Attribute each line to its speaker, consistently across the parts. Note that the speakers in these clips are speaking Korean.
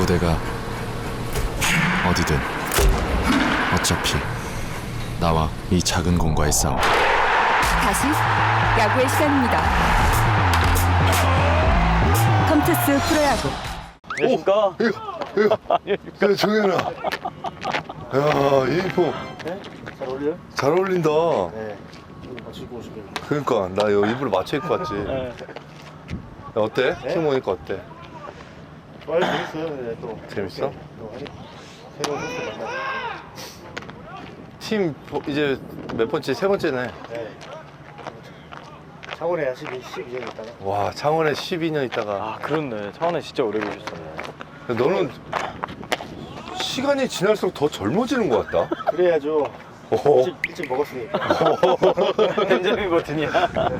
Speaker 1: 무대가 어디든 어차피 나와 이 작은 공과의 싸움.
Speaker 2: 다시 야구의 시간입니다. 컴투스 프로야구.
Speaker 3: 안녕하십니까?
Speaker 4: 야, 정현아. 야, 유니폼
Speaker 3: 네? 잘 어울려요?
Speaker 4: 잘 어울린다.
Speaker 3: 네. 이거 같이 입고 오시면.
Speaker 4: 그러니까 나 이거 일부러 맞춰 입고 왔지. 야,
Speaker 3: 네.
Speaker 4: 어때?
Speaker 3: 네?
Speaker 4: 팀 오니까 어때?
Speaker 3: 좋아요, 재밌어요. 네, 또.
Speaker 4: 재밌어?
Speaker 3: 이렇게 또 새로운 선수 만나요.
Speaker 4: 팀 이제 몇 번째? 세 번째네.
Speaker 3: 네. 창원에 12년 있다가.
Speaker 4: 와, 창원에 12년 있다가.
Speaker 5: 아 그렇네. 창원에 진짜 오래 계셨었네.
Speaker 4: 너는 시간이 지날수록 더 젊어지는 것 같다.
Speaker 3: 그래야죠.
Speaker 4: 오.
Speaker 3: 일찍 먹었으니까.
Speaker 5: 벤자민 버튼이야.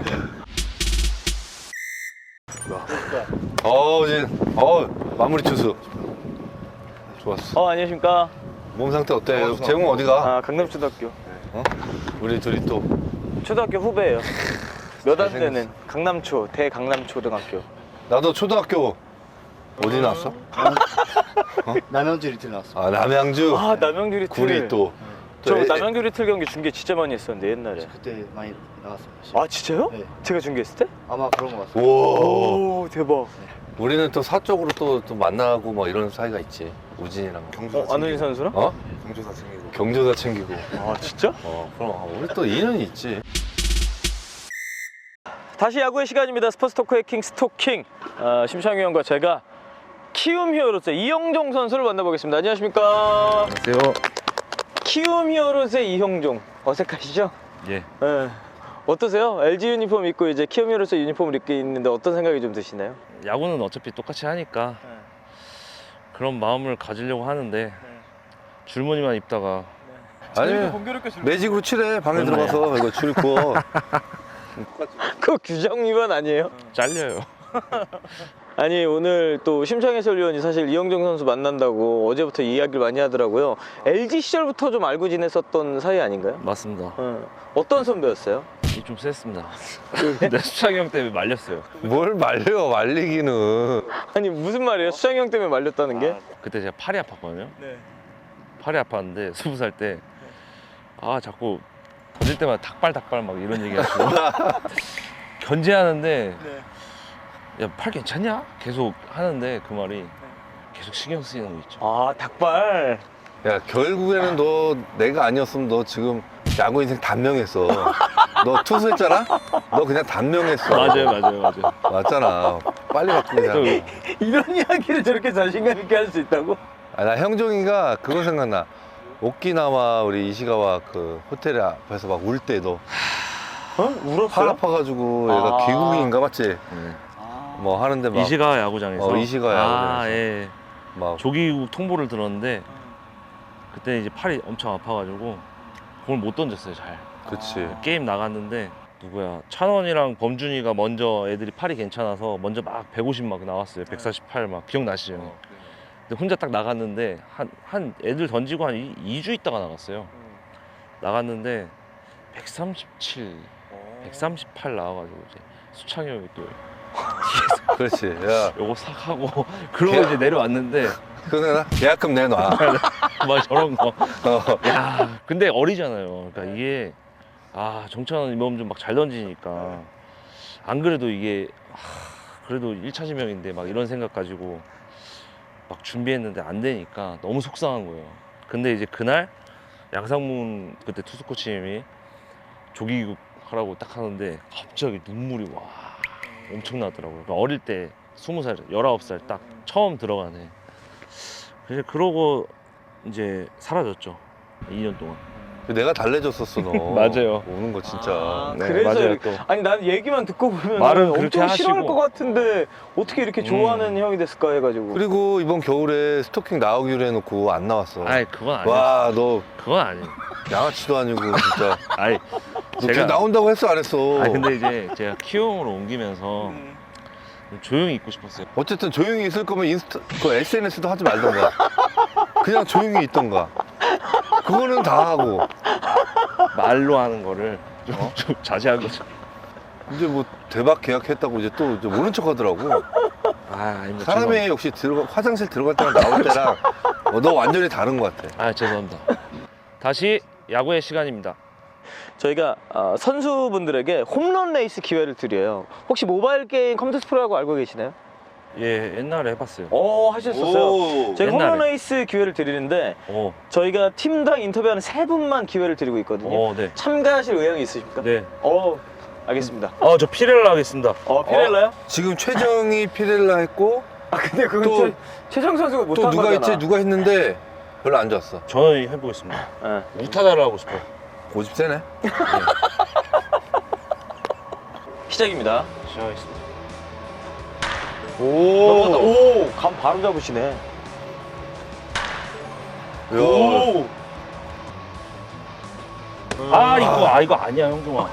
Speaker 4: 마무리 투수. 좋았어.
Speaker 5: 안녕하십니까.
Speaker 4: 몸 상태 어때? 재웅 어디가?
Speaker 5: 아 강남초등학교.
Speaker 4: 우리 둘이 또.
Speaker 5: 초등학교 후배예요. 몇 안 되는 강남초 대강남초등학교.
Speaker 4: 나도 초등학교 어디 나왔어?
Speaker 3: 남양주 리틀 나왔어.
Speaker 4: 아, 남양주.
Speaker 5: 아 남양주 리틀.
Speaker 4: 구리 또.
Speaker 5: 저
Speaker 4: 애-
Speaker 5: 남양주 리틀 경기 중계 진짜 많이 했었는데 옛날에.
Speaker 3: 그때 많이 나갔어요.
Speaker 5: 아 진짜요?
Speaker 3: 네.
Speaker 5: 제가 중계했을 때?
Speaker 3: 아마 그런 것 같아요.
Speaker 4: 우와.
Speaker 5: 오 대박.
Speaker 4: 우리는 또 사적으로 또 만나고 뭐 이런 사이가 있지. 우진이랑.
Speaker 5: 안우진 선수랑?
Speaker 4: 어?
Speaker 3: 경조사 챙기고.
Speaker 4: 경조사 챙기고.
Speaker 5: 아 진짜?
Speaker 4: 그럼 우리 또 인연이 있지.
Speaker 5: 다시 야구의 시간입니다. 스포츠 토크의 킹 스토킹. 심창희 형과 제가 키움 히어로즈의 이형종 선수를 만나보겠습니다. 안녕하십니까?
Speaker 6: 안녕하세요.
Speaker 5: 키움 히어로즈의 이형종. 어색하시죠?
Speaker 6: 예.
Speaker 5: 네. 어떠세요? LG 유니폼 입고 이제 키움 히어로즈 유니폼을 입고 있는데 어떤 생각이 좀 드시나요?
Speaker 6: 야구는 어차피 똑같이 하니까 그런 마음을 가지려고 하는데 줄무늬만 입다가
Speaker 4: 아니면 매직으로 칠해. 방에 들어가서 이거 줄 그어.
Speaker 5: 그거 규정 위반 아니에요?
Speaker 6: 잘려요.
Speaker 5: 아니 오늘 또 심창희 해설위원이 사실 이형종 선수 만난다고 어제부터 이야기를 많이 하더라고요. LG 시절부터 좀 알고 지냈었던 사이 아닌가요?
Speaker 6: 맞습니다.
Speaker 5: 어떤 선배였어요?
Speaker 6: 이 좀 셌습니다. 내 수창이 형 때문에 말렸어요.
Speaker 4: 뭘 말려, 말리기는.
Speaker 5: 아니 무슨 말이에요? 수창희 형 때문에 말렸다는 게?
Speaker 6: 그때 제가 팔이 아팠거든요.
Speaker 5: 네.
Speaker 6: 팔이 아팠는데 20살 때 자꾸 던질 때마다 닭발 막 이런 얘기 하시고 견제하는데 야, 팔 괜찮냐? 계속 하는데 그 말이 계속 신경 쓰이는 거 있죠.
Speaker 5: 아 닭발.
Speaker 4: 야, 결국에는 너 내가 아니었으면 너 지금 야구 인생 단명했어. 너 투수했잖아? 너 그냥 단명했어.
Speaker 6: 맞아요.
Speaker 4: 맞잖아. 빨리 바꾸자.
Speaker 5: 이런 이야기를 저렇게 자신감 있게 할 수 있다고?
Speaker 4: 나 형종이가 그거 생각나. 오키나와 우리 이시가와 그 호텔 앞에서 막 울 때 너
Speaker 5: 어?
Speaker 4: 팔
Speaker 5: 울었어요?
Speaker 4: 아파가지고 얘가
Speaker 5: 아.
Speaker 4: 귀국인가 맞지?
Speaker 6: 네.
Speaker 4: 뭐 하는데 막
Speaker 6: 이시가 야구장에서.
Speaker 4: 이시가 야구장에서.
Speaker 6: 예.
Speaker 4: 막
Speaker 6: 조기국 통보를 들었는데 그때 이제 팔이 엄청 아파가지고 공을 못 던졌어요 잘.
Speaker 4: 그치.
Speaker 6: 게임 나갔는데 누구야 찬원이랑 범준이가 먼저 애들이 팔이 괜찮아서 먼저 막 150 막 나왔어요. 148 막 기억나시죠? 근데 혼자 딱 나갔는데 한 애들 던지고 한 2주 있다가 나갔어요. 나갔는데 137, 138 나와가지고 이제 수창이 형이 또
Speaker 4: 그렇지. 야,
Speaker 6: 요거 싹 하고 그러고 이제 내려왔는데
Speaker 4: 그러나 계약금 내놔.
Speaker 6: 막 저런 거.
Speaker 4: 어.
Speaker 6: 야, 근데 어리잖아요. 그러니까 이게 정찬원 이범 좀 막 잘 던지니까 안 그래도 이게 그래도 1차 지명인데 막 이런 생각 가지고 막 준비했는데 안 되니까 너무 속상한 거예요. 근데 이제 그날 양상문 그때 투수 코치님이 조기국 하라고 딱 하는데 갑자기 눈물이 와 엄청 나더라고요. 그러니까 어릴 때 20살, 19살 딱 처음 들어가네. 그래서 그러고 이제 사라졌죠. 2년 동안.
Speaker 4: 내가 달래줬었어 너.
Speaker 6: 맞아요.
Speaker 4: 오는 거 진짜.
Speaker 6: 네,
Speaker 5: 그래서
Speaker 6: 맞아요,
Speaker 5: 이렇게-
Speaker 6: 또.
Speaker 5: 아니 난 얘기만 듣고 보면
Speaker 6: 말은 그렇게
Speaker 5: 엄청 싫어할
Speaker 6: 하시고.
Speaker 5: 것 같은데 어떻게 이렇게 좋아하는 형이 됐을까 해가지고.
Speaker 4: 그리고 이번 겨울에 스토킹 나오기로 해놓고 안 나왔어.
Speaker 6: 아이 그건 아니에요.
Speaker 4: 와, 너
Speaker 6: 그건 아니에요.
Speaker 4: 양아치도 아니고 진짜.
Speaker 6: 아이
Speaker 4: 너 걔 나온다고 했어 안 했어?
Speaker 6: 근데 이제 제가 키움으로 옮기면서 좀 조용히 있고 싶었어요.
Speaker 4: 어쨌든 조용히 있을 거면 그 SNS도 하지 말던가. 그냥 조용히 있던가. 그거는 다 하고.
Speaker 6: 말로 하는 거를 좀 자제한 거죠.
Speaker 4: 이제 뭐 대박 계약했다고 이제 또 이제 모른 척 하더라고.
Speaker 6: 아, 아닙니다.
Speaker 4: 사람이 역시 화장실 들어갈 때랑 나올 때랑 너 완전히 다른 것 같아.
Speaker 6: 아, 죄송합니다. 다시 야구의 시간입니다.
Speaker 5: 저희가 선수분들에게 홈런 레이스 기회를 드려요. 혹시 모바일 게임 컴투스 프로라고 알고 계시나요?
Speaker 6: 예, 옛날에 해봤어요.
Speaker 5: 하셨었어요.
Speaker 4: 오.
Speaker 5: 저희가 홈런
Speaker 6: 옛날에.
Speaker 5: 레이스 기회를 드리는데
Speaker 6: 오,
Speaker 5: 저희가 팀당 인터뷰하는 3분만 기회를 드리고 있거든요.
Speaker 6: 네.
Speaker 5: 참가하실 의향이 있으십니까?
Speaker 6: 네.
Speaker 5: 알겠습니다.
Speaker 6: 저 피렐라 하겠습니다.
Speaker 5: 피렐라요?
Speaker 4: 지금 최정이 피렐라 했고
Speaker 5: 근데 그건
Speaker 4: 또-
Speaker 5: 최정 선수가
Speaker 4: 또
Speaker 5: 못한
Speaker 4: 누가
Speaker 5: 거잖아.
Speaker 4: 있지? 누가 했는데 별로 안 좋았어.
Speaker 6: 저는 해보겠습니다.
Speaker 5: 네.
Speaker 6: 우타자를 하고 싶어요.
Speaker 4: 고집 세네.
Speaker 5: 시작입니다.
Speaker 6: 시작하겠습니다.
Speaker 5: 감 바로 잡으시네.
Speaker 4: 야,
Speaker 6: 이거 아니야, 형동아.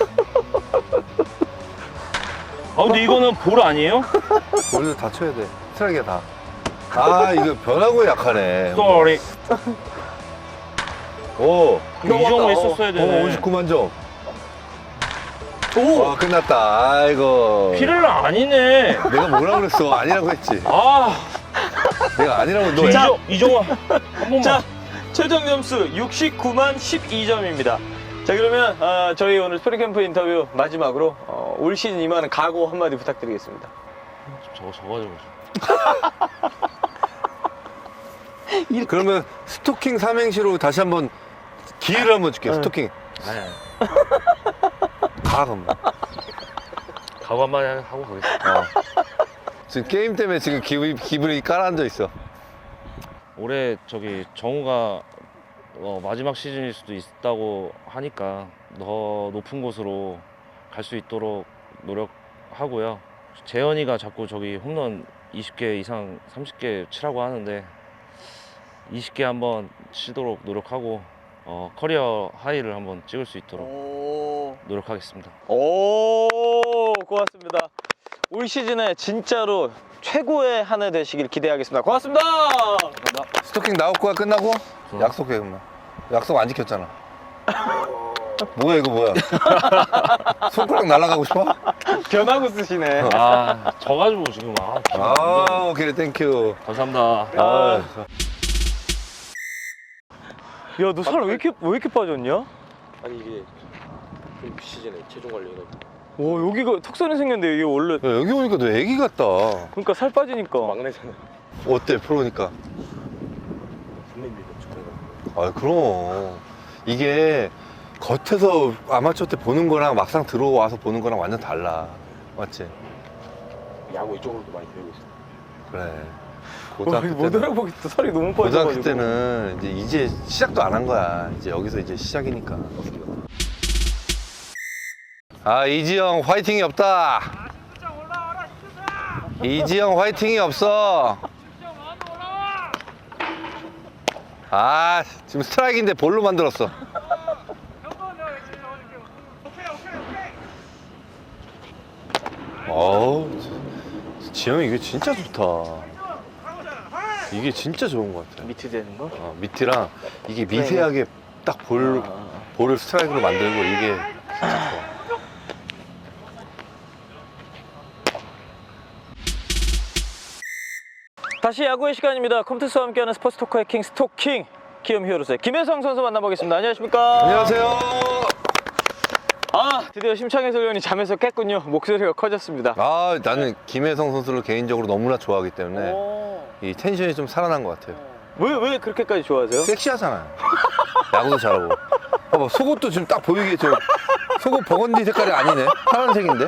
Speaker 6: 근데 이거는 볼 아니에요?
Speaker 4: 머리도 다 쳐야 돼. 스트라이크야 다. 이거 변화구에 약하네.
Speaker 6: 쏘리.
Speaker 4: 오,
Speaker 6: 이 정도 했었어야 되네.
Speaker 4: 59만 점. 와, 끝났다. 아이고.
Speaker 6: 피렐라 아니네.
Speaker 4: 내가 뭐라 그랬어? 아니라고 했지. 내가 아니라고 너.
Speaker 6: 이정아 한 번만.
Speaker 5: 자, 최종 점수 69만 12점입니다. 자, 그러면 저희 오늘 스프링캠프 인터뷰 마지막으로 올 시즌 임하는 각오 한마디 부탁드리겠습니다.
Speaker 6: 저거 적어줘.
Speaker 4: 그러면 스토킹 삼행시로 다시 한번 기회를 한번 줄게. 스토킹.
Speaker 6: 아니.
Speaker 4: 가 그럼.
Speaker 6: 각오 한마디 하고 가겠습니다.
Speaker 4: 지금 게임 때문에 지금 기분이 깔아앉아 있어.
Speaker 6: 올해 정우가 마지막 시즌일 수도 있다고 하니까 더 높은 곳으로 갈 수 있도록 노력하고요. 재현이가 자꾸 홈런 20개 이상 30개 치라고 하는데 20개 한번 치도록 노력하고 커리어 하이를 한번 찍을 수 있도록 노력하겠습니다.
Speaker 5: 고맙습니다. 올 시즌에 진짜로 최고의 한 해 되시길 기대하겠습니다. 고맙습니다.
Speaker 4: 스토킹 나올 거야 끝나고? 약속해 그러면. 약속 안 지켰잖아. 뭐야 이거 뭐야? 손가락 날아가고 싶어?
Speaker 5: 변하고 쓰시네.
Speaker 6: 져가지고 지금
Speaker 4: 오케이 땡큐.
Speaker 6: 감사합니다.
Speaker 5: 야, 너 살 왜 이렇게 빠졌냐?
Speaker 6: 아니 이게 시즌에 체중 관리해가지고.
Speaker 5: 오, 여기가 턱선이 생겼는데 이게 원래
Speaker 4: 야, 여기 오니까 너 애기 같다.
Speaker 5: 그러니까 살 빠지니까.
Speaker 6: 막내잖아.
Speaker 4: 어때 프로니까?
Speaker 6: 선배님이 축구가.
Speaker 4: 그럼 이게 겉에서 아마추어 때 보는 거랑 막상 들어와서 보는 거랑 완전 달라. 맞지?
Speaker 6: 야구 이쪽으로도 많이 배우고 있어.
Speaker 4: 그래.
Speaker 5: 못
Speaker 4: 고등학교
Speaker 5: 알아보겠어. 살이 너무
Speaker 4: 고등학교
Speaker 5: 빠져가지고.
Speaker 4: 때는 이제 시작도 안 한 거야. 이제 여기서 이제 시작이니까. 이지영 화이팅이 없다. 이지영 화이팅이 없어. 지금 스트라이크인데 볼로 만들었어. 지영이 이게 진짜 좋다. 이게 진짜 좋은 것 같아.
Speaker 5: 미트 되는 거?
Speaker 4: 밑이랑 이게 미세하게 딱 볼을 스트라이크로 만들고 이게 진짜 좋아.
Speaker 5: 다시 야구의 시간입니다. 컴투스와 함께하는 스포츠 토크의 킹 스토킹 키움 히어로즈의 김혜성 선수 만나보겠습니다. 안녕하십니까?
Speaker 4: 안녕하세요.
Speaker 5: 드디어 심창희 해설위원이 잠에서 깼군요. 목소리가 커졌습니다.
Speaker 4: 나는 김혜성 선수를 개인적으로 너무나 좋아하기 때문에 이 텐션이 좀 살아난 것 같아요.
Speaker 5: 왜 그렇게까지 좋아하세요?
Speaker 4: 섹시하잖아요. 야구도 잘하고. 봐봐, 속옷도 지금 딱 보이게 속옷 버건디 색깔이 아니네. 파란색인데.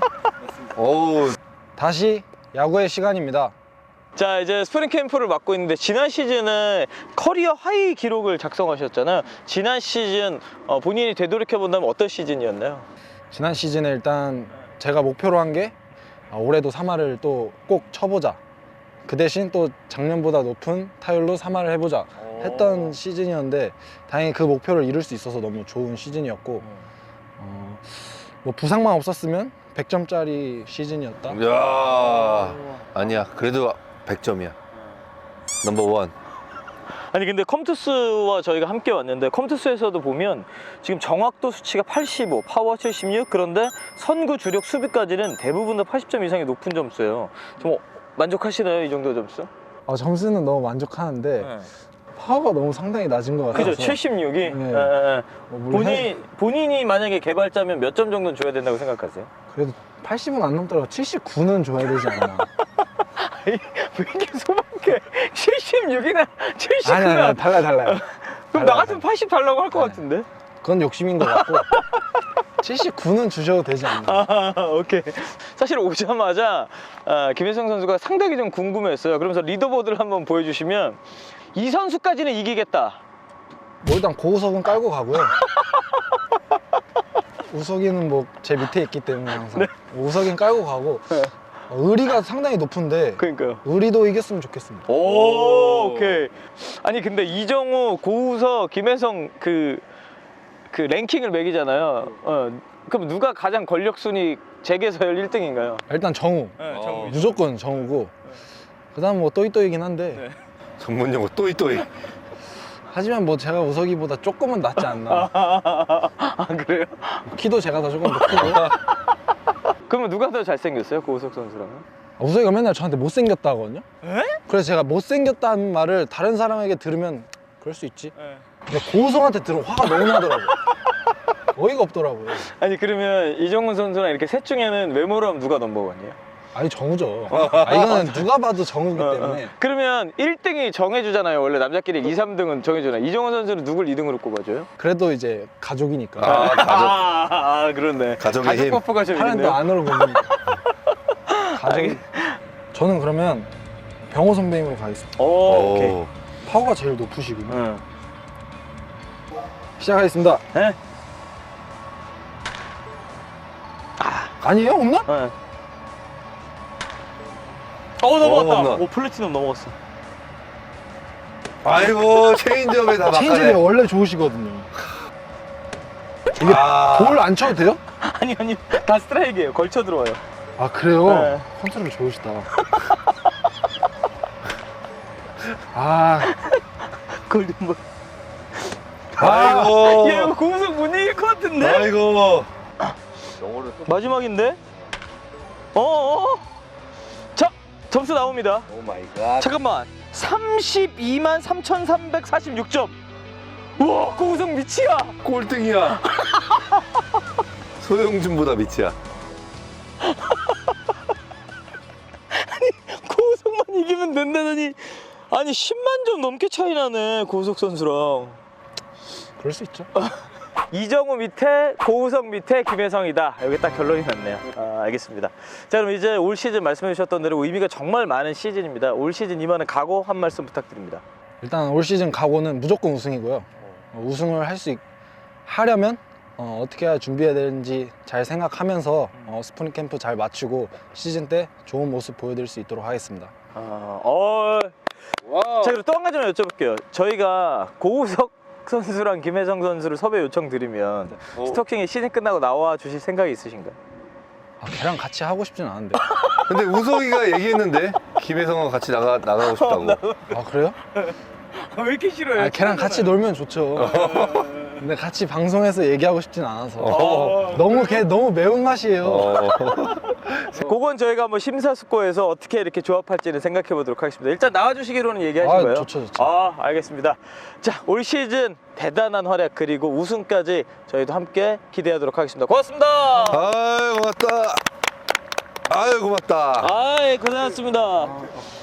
Speaker 7: 다시 야구의 시간입니다.
Speaker 5: 자, 이제 스프링 캠프를 맡고 있는데 지난 시즌에 커리어 하이 기록을 작성하셨잖아요. 지난 시즌 본인이 되돌이켜본다면 어떤 시즌이었나요?
Speaker 7: 지난 시즌에 일단 제가 목표로 한 게 올해도 3할을 또 꼭 쳐보자. 그 대신 또 작년보다 높은 타율로 3할을 해보자 했던 시즌이었는데 다행히 그 목표를 이룰 수 있어서 너무 좋은 시즌이었고 뭐 부상만 없었으면 100점짜리 시즌이었다.
Speaker 4: 이야, 아니야. 그래도 100점이야. 넘버원.
Speaker 5: 아니 근데 컴투스와 저희가 함께 왔는데 컴투스에서도 보면 지금 정확도 수치가 85, 파워 76 그런데 선구 주력 수비까지는 대부분 다 80점 이상의 높은 점수예요. 좀 만족하시나요? 이 정도 점수?
Speaker 7: 점수는 너무 만족하는데 파워가 너무 상당히 낮은 것 같아서.
Speaker 5: 그죠, 76이.
Speaker 7: 네. 물론
Speaker 5: 본인이 만약에 개발자면 몇 점 정도는 줘야 된다고 생각하세요?
Speaker 7: 그래도 80은 안 넘더라도 79는 줘야 되지 않나.
Speaker 5: 왜 이렇게 소박해? 76이나 79나.
Speaker 7: 아니, 달라요.
Speaker 5: 그럼 나 같으면 80 달라고 할 것 같은데?
Speaker 7: 그건 욕심인 것 같고 79는 주셔도 되지 않나.
Speaker 5: 오케이. 사실 오자마자 김혜성 선수가 상당히 좀 궁금했어요. 그러면서 리더보드를 한번 보여주시면 이 선수까지는 이기겠다.
Speaker 7: 뭐 일단 고우석은 깔고 가고요. 우석이는 뭐 제 밑에 있기 때문에 항상 우석이는 깔고 가고 의리가 상당히 높은데
Speaker 5: 그러니까요.
Speaker 7: 의리도 이겼으면 좋겠습니다.
Speaker 5: 오케이. 아니 근데 이정우, 고우석, 김혜성 그 랭킹을 매기잖아요. 그럼 누가 가장 권력 순위 재계서열 1등인가요?
Speaker 7: 일단 정우. 무조건 정우고 그다음 뭐 또이또이긴 한데
Speaker 4: 전문 용어 또이또이.
Speaker 7: 하지만 뭐 제가 우석이보다 조금은 낫지 않나.
Speaker 5: 아 그래요?
Speaker 7: 키도 제가 더 조금 더 크고.
Speaker 5: 그러면 누가 더 잘생겼어요? 고우석 선수랑은?
Speaker 7: 우석이가 맨날 저한테 못생겼다 하거든요.
Speaker 5: 에?
Speaker 7: 그래서 제가 못생겼다는 말을 다른 사람에게 들으면 그럴 수 있지. 근데 고우석한테 들으면 화가 너무 나더라고요. 어이가 없더라고요.
Speaker 5: 아니 그러면 이정훈 선수랑 이렇게 셋 중에는 외모로 하면 누가 넘버원이에요?
Speaker 7: 아니 정우죠. 이거는 누가 봐도 정우기 때문에.
Speaker 5: 그러면 1등이 정해주잖아요. 원래 남자끼리 2, 3등은 정해주잖아요. 이정훈 선수는 누굴 2등으로 꼽아줘요?
Speaker 7: 그래도 이제 가족이니까.
Speaker 4: 가족.
Speaker 5: 그렇네.
Speaker 4: 가족의
Speaker 5: 가족
Speaker 4: 힘.
Speaker 5: 버프가 좀
Speaker 7: 하는 또
Speaker 5: 있네요.
Speaker 7: 안으로 보면 가족이. 저는 그러면 병호 선배님으로 가겠습니다.
Speaker 5: 오케이.
Speaker 7: 파워가 제일 높으시군요.
Speaker 5: 응.
Speaker 7: 시작하겠습니다.
Speaker 5: 네?
Speaker 7: 아니에요? 홈런?
Speaker 5: 네. 넘어갔다.
Speaker 4: 홈런.
Speaker 5: 오, 플래티넘 넘어갔어.
Speaker 4: 아이고 체인지업에 다
Speaker 7: 체인지가
Speaker 4: 막가네.
Speaker 7: 원래 좋으시거든요. 이게 볼 안 쳐도 돼요?
Speaker 5: 아니 다 스트라이크예요. 걸쳐 들어와요.
Speaker 7: 아 그래요?
Speaker 5: 네.
Speaker 7: 컨트롤 좋으시다. 아,
Speaker 5: 골든볼.
Speaker 4: 아이고.
Speaker 5: 야 이거 고우석 못 이길 것 같은데?
Speaker 4: 아이고.
Speaker 5: 마지막인데? 자, 점수 나옵니다.
Speaker 4: 오 마이 갓.
Speaker 5: 잠깐만. 32만 3,346점. 우와, 고우석 미치야.
Speaker 4: 꼴등이야. 소영준보다 밑이야.
Speaker 5: 고우석만 이기면 된다더니 아니 10만 점 넘게 차이 나네. 고우석 선수랑.
Speaker 7: 그럴 수 있죠.
Speaker 5: 이정우 밑에 고우석 밑에 김혜성이다. 여기 딱 결론이 났네요. 알겠습니다. 자, 그럼 이제 올 시즌 말씀해 주셨던 대로 의미가 정말 많은 시즌입니다. 올 시즌 임하는 각오 한 말씀 부탁드립니다.
Speaker 7: 일단 올 시즌 각오는 무조건 우승이고요. 우승을 하려면 어떻게 해야 준비해야 되는지 잘 생각하면서 스프링 캠프 잘 마치고 시즌 때 좋은 모습 보여드릴 수 있도록 하겠습니다.
Speaker 5: 자, 그리고 또 한 가지만 여쭤볼게요. 저희가 고우석 선수랑 김혜성 선수를 섭외 요청 드리면 스토킹이 시즌 끝나고 나와 주실 생각이 있으신가요?
Speaker 7: 걔랑 같이 하고 싶진 않은데.
Speaker 4: 근데 우석이가 얘기했는데 김혜성과 같이 나가고 싶다고.
Speaker 7: 아 그래요?
Speaker 5: 왜 이렇게 싫어요?
Speaker 7: 걔랑 같이 놀면 좋죠. 근데 같이 방송에서 얘기하고 싶진 않아서. 걔 너무 매운맛이에요.
Speaker 5: 그건 저희가 한번 심사숙고해서 어떻게 이렇게 조합할지는 생각해 보도록 하겠습니다. 일단 나와주시기로는 얘기하신 거예요?
Speaker 7: 좋죠.
Speaker 5: 알겠습니다. 자, 올 시즌 대단한 활약 그리고 우승까지 저희도 함께 기대하도록 하겠습니다. 고맙습니다.
Speaker 4: 아유 고맙다. 아유 고맙다.
Speaker 5: 고생하셨습니다.